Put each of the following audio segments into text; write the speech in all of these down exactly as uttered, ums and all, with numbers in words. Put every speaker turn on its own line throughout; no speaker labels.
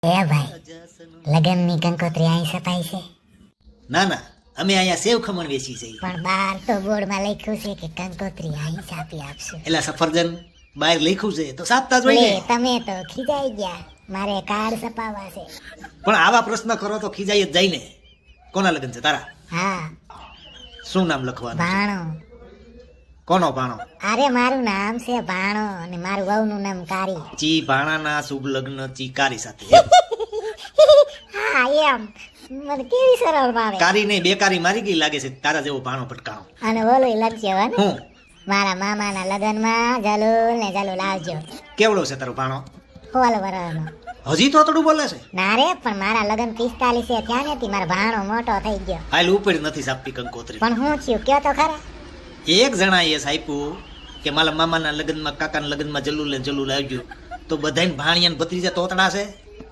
એ ભાઈ, લગનની કંકોત્રી અહીં સપાઈ છે?
ના ના, અમે અહીંયા સેવ ખમણ વેચી છે.
પણ બહાર તો બોર્ડમાં લખ્યું છે કે કંકોત્રી અહીં છાપી આપશું.
એટલે સફરજન બહાર લખ્યું છે તો સાપતા જ હોય
લે,
ને.
તમે તો ખીજાઈ ગયા. મારે કાર્ડ છપાવવા છે.
પણ આવા પ્રશ્ન કરો તો ખીજાઈ જ જાય ને. કોના લગન છે તારા?
હા,
શું નામ લખવાનું છે?
ભાણો.
કોનો ભાણો?
અરે મારું નામ છે ભાણો અને મારું વહુનું નામ કારી.
ચી ભાણાના શુભ લગ્ન ચીકારી સાથે.
હા એમ, મને કેવી સરળ ભાવે.
કારી ને બેકારી મારી ગઈ લાગે છે તારા જેવો ભાણો પટકાણો.
અને બોલો લખજો હે ને,
હું
મારા મામાના લગનમાં જલુલ ને જલુલ આવજો.
કેવડો છે તારો ભાણો?
હોલ વરનો.
હજી તો થોડું બોલે છે.
ના રે, પણ મારા લગન પિસ્તાલીસ એ થયા નથી, મારો ભાણો મોટો થઈ ગયો.
હાલ ઉપર નથી સાપતી કંકોત્રી.
પણ હું થયું કયો તો ખરા.
એક જણા એ સાપ્યું કે મારા મામાના લગ્નમાં કાકાના લગ્નમાં જલ્લુલ ને જલ્લુલ આવજો, તો બધાને ભાણિયા ને ભત્રીજા તોતડા છે.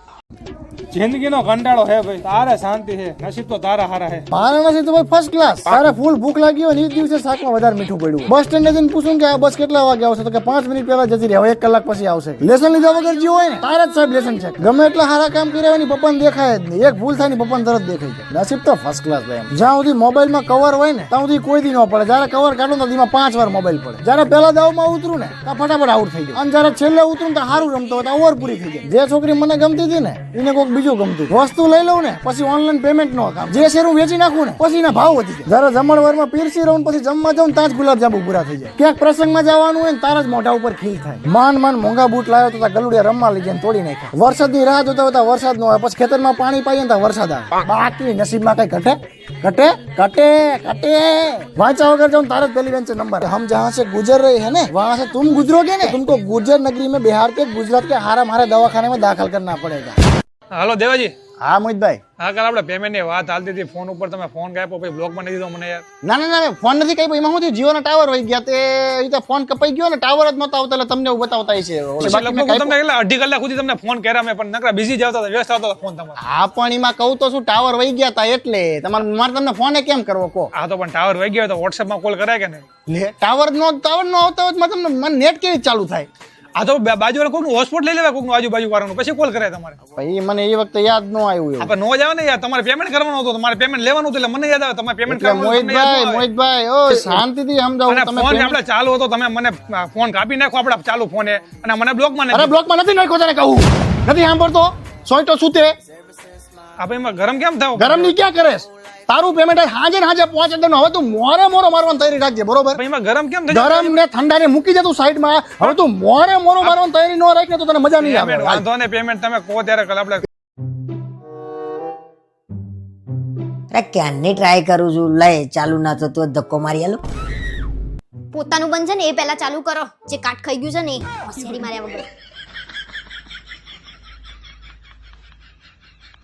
જિંદગીનો કંટાળો હે ભાઈ, તારે શાંતિ છે, નસીબ તો તારા હારા હે.
મારા નસીબ તો ભાઈ ફર્સ્ટ ક્લાસ. તારે ફૂલ ભૂખ લાગી હોય ને એ દિવસે શાકમાં વધારે મીઠું પડ્યું. બસ સ્ટેન્ડ જઈને પૂછું કે આ બસ કેટલા વાગે આવશે, તો કે પાંચ મિનિટ પહેલા જતી રહે, હવે એક કલાક પછી આવશે. લેસન લીધા વગર જે હોય ને તારે જ સાહેબ લેસન છે. ગમે એટલા સારા કામ કર્યા હોય ને પપ્પાને દેખાય જ નહીં. એક ભૂલ થાય ને પપ્પાને તરત દેખાય જાય. નસીબ તો ફર્સ્ટ ક્લાસ ભાઈ. જ્યાં સુધી મોબાઈલમાં કવર હોય ને ત્યાં સુધી કોઈ દી ન પડે. જયારે કવર કાઢું તો એમાં પાંચ વાર મોબાઈલ પડે. જયારે પહેલા દાવમાં ઉતરું ને ત્યાં ફટાફટ આઉટ થઈ જાય. અને જયારે છેલ્લે ઉતરું તો સારું રમતો હોય તો ઓવર પૂરી થઈ જાય. જે છોકરી મને ગમતી હતી ને એને કોઈક બીજું ગમતું. વસ્તુ લઈ લઉં ને પછી ઓનલાઈન પેમેન્ટ નો કામ. જે શેર હું વેચી નાખું ને પછી એના ભાવ વધી જાય. જયારે જમણવારમાં પીરસી રહું પછી જમવા જાઉં ત્યાં જ ગુલાબ જાંબુ પૂરા થઈ જાય. ક્યાંક પ્રસંગમાં જવાનું હોય ને તારા જ મોઢા ઉપર ખીલ થાય. માન માન મોંઘા બૂટ લાવ્યો તો ગલુડિયા રમવા લઈ જાય તોડી નાખ્યા. વરસાદની રાહ જોતા હોતા વરસાદ નો આવે, પછી ખેતરમાં પાણી પાઈએ ને વરસાદ આવે. બાકી નસીબમાં કઈ ઘટે ઘટે ઘટે ઘટે વાંચા વગર જાઉં તારે જ પેલી બેન્ચ નંબર. हम जहाँ से गुजर रहे हैं ना वहाँ से तुम गुजरोगे ना, तुमको गुर्जर नगरी में बिहार के गुजरात के हारा मारे दवाखाने में दाखिल करना पड़ेगा.
હાલો દેવાજી.
હા મોહિતભાઈ.
હા, કાલ આપણે પેમેન્ટ ની વાત હાલતી હતી ફોન ઉપર, તમે ફોન કાપ્યો પછી બ્લોક માં નથી દીધો મને યાર.
ના ના ના ફોન નથી કઈ. એમાં શું થયું, જીઓ ના ટાવર વહી ગયા તે રીતે ફોન કપાઈ ગયો ને ટાવર જ નતો આવતો એટલે તમને એવું બતાવતા છે.
પછી લગભગ તમને કેટલા અઢી કલાક સુધી તમને ફોન કર્યા મેં, પણ નકરા બિઝી જ આવતા હતા, વ્યસ્ત આવતા હતા ફોન તમારો.
હા પણ એમાં કહું તો શું ટાવર વહી ગયા હતા એટલે તમારે મારે તમને ફોને કેમ કરવો કહો.
હા તો પણ ટાવર વહી ગયો તો વોટ્સએપ માં કોલ કરાય કે નહીં?
લે ટાવર નો ટાવર નો આવતો હોય તો તમને મને નેટ કેવી ચાલુ થાય?
આ તો બાજુ વાળા કોઈનું હોટસ્પોટ લઈ લેવા, કોઈનું આજુબાજુ વાળાનું, પછી કોલ કરાય તમારે.
ભાઈ મને એ વખતે યાદ ન આવ્યું એવું.
આપણે નો જ આવે ને યાર, તમારે પેમેન્ટ કરવાનું હતું, તમારે પેમેન્ટ લેવાનું હતું એટલે મને યાદ આવે તમારે પેમેન્ટ
એટલે
કરવાનું હતું.
મોહિતભાઈ મોહિતભાઈ ઓ શાંતિથી સમજાવો.
અને
તમે
ફોન
payment-
આપણે ચાલુ હતો, તમે મને ફોન કાપી નાખો આપડા ચાલુ ફોને અને મને બ્લોક માં
અરે બ્લોક માં નથી નાખ્યો તને કહું. નથી સાંભળતો સોઈટો સુતે
આપણે એમાં ગરમ કેમ થાવ?
ગરમ ની ક્યાં કરે? તારું પેમેન્ટ હાજે ને હાજે પહોંચે દે. હવે તું મોરે મોરો મારવાની તૈયારી રાખજે બરોબર?
પણ એમાં ગરમ કેમ થઈ
ગરમ ને ઠંડા ને મૂકી દે તું સાઈડમાં. હવે તું મોરે મોરો મારવાની તૈયારી ન રાખે તો તને મજા નહીં આવે.
પેમેન્ટ વાંધો ને, પેમેન્ટ તમે કહો ત્યારે કલ આપણે.
અરે ક્યારની ટ્રાય કરું છું, લઈ ચાલુ ના થતું હોય ધક્કો મારી આલો.
પોતાનું બંધ છે ને એ પહેલા ચાલુ કરો, જે કાટ ખાઈ ગયું છે ને એ હોશિયારી માર્યા વગર.